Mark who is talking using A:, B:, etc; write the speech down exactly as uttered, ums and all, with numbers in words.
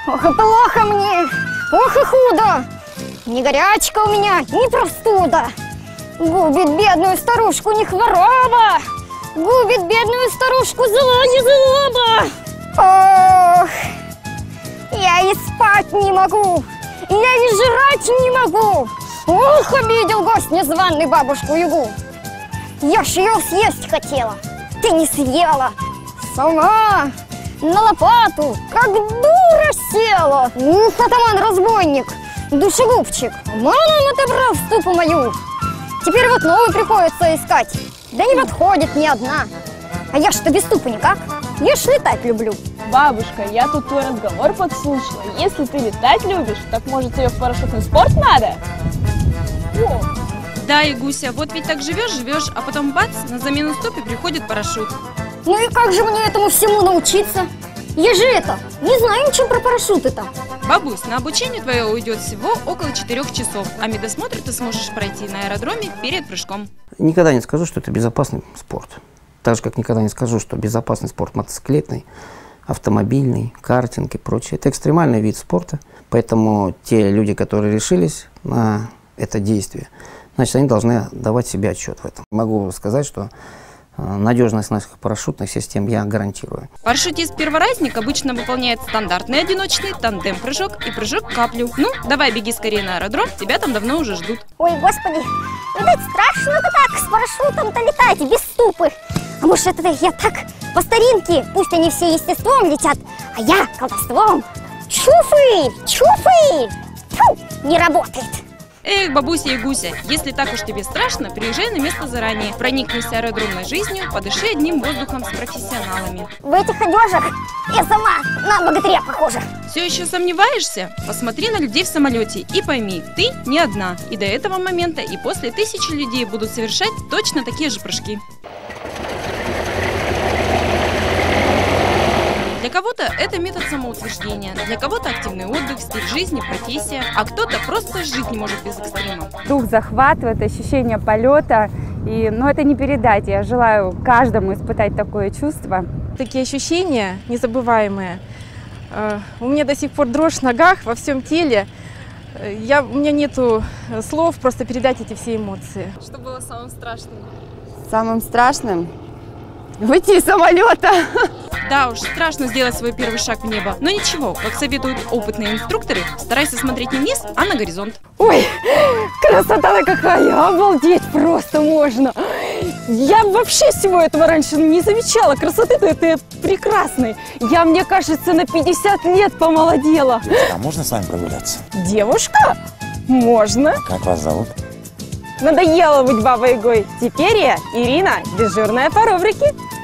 A: Ох и плохо мне, ох и худо. Ни горячка у меня, ни простуда. Губит бедную старушку не хвороба, губит бедную старушку зло не злоба. Ох, я и спать не могу, я и жрать не могу. Ох, обидел гость незваный бабушку-ягу. Я ж ее съесть хотела, ты не съела. Сама на лопату, как дура села. Ух, атаман-разбойник, душегубчик, обманом отобрал ступу мою. Теперь вот новую приходится искать, да не подходит ни одна. А я что без ступы никак, я ж летать люблю.
B: Бабушка, я тут твой разговор подслушала. Если ты летать любишь, так может тебе в парашютный спорт надо? О.
C: Да, Ягуся, вот ведь так живешь-живешь, а потом бац, на замену ступе приходит парашют.
A: Ну и как же мне этому всему научиться? Я же это, не знаю ничего про парашюты-то.
C: Бабусь, на обучение твое уйдет всего около четырех часов, а медосмотр ты сможешь пройти на аэродроме перед прыжком.
D: Никогда не скажу, что это безопасный спорт. Так же, как никогда не скажу, что безопасный спорт мотоциклетный, автомобильный, картинг и прочее. Это экстремальный вид спорта, поэтому те люди, которые решились на это действие, значит, они должны давать себе отчет в этом. Могу сказать, что надежность наших парашютных систем я гарантирую.
C: Парашютист-перворазник обычно выполняет стандартный одиночный тандем-прыжок и прыжок каплю. Ну, давай беги скорее на аэродром, тебя там давно уже ждут.
A: Ой, господи, видать, страшно-то так с парашютом-то летать без ступы. А может, это я так по старинке, пусть они все естеством летят, а я колдовством. Чуфы, чуфы, фу, не работает.
C: Эх, бабуся и гуся, если так уж тебе страшно, приезжай на место заранее. Проникнись аэродромной жизнью, подыши одним воздухом с профессионалами.
A: В этих одежах я сама на богатыря похожа.
C: Все еще сомневаешься? Посмотри на людей в самолете и пойми, ты не одна. И до этого момента, и после тысячи людей будут совершать точно такие же прыжки. Для кого-то это метод самоутверждения, для кого-то активный отдых, стиль жизни, профессия, а кто-то просто жить не может без экстрима.
E: Дух захватывает, ощущение полета, и, ну, это не передать. Я желаю каждому испытать такое чувство.
F: Такие ощущения незабываемые. У меня до сих пор дрожь в ногах, во всем теле. Я, у меня нету слов просто передать эти все эмоции.
B: Что было самым страшным?
E: Самым страшным – выйти из самолета.
C: Да уж, страшно сделать свой первый шаг в небо. Но ничего, как советуют опытные инструкторы, старайся смотреть не вниз, а на горизонт.
E: Ой, красота какая! Обалдеть просто можно! Я вообще всего этого раньше не замечала. Красоты-то это прекрасной. Я, мне кажется, на пятьдесят лет помолодела.
G: А можно с вами прогуляться?
E: Девушка? Можно.
G: Как вас зовут?
E: Надоело быть бабой-ягой. Теперь я Ирина, дежурная по рубрике.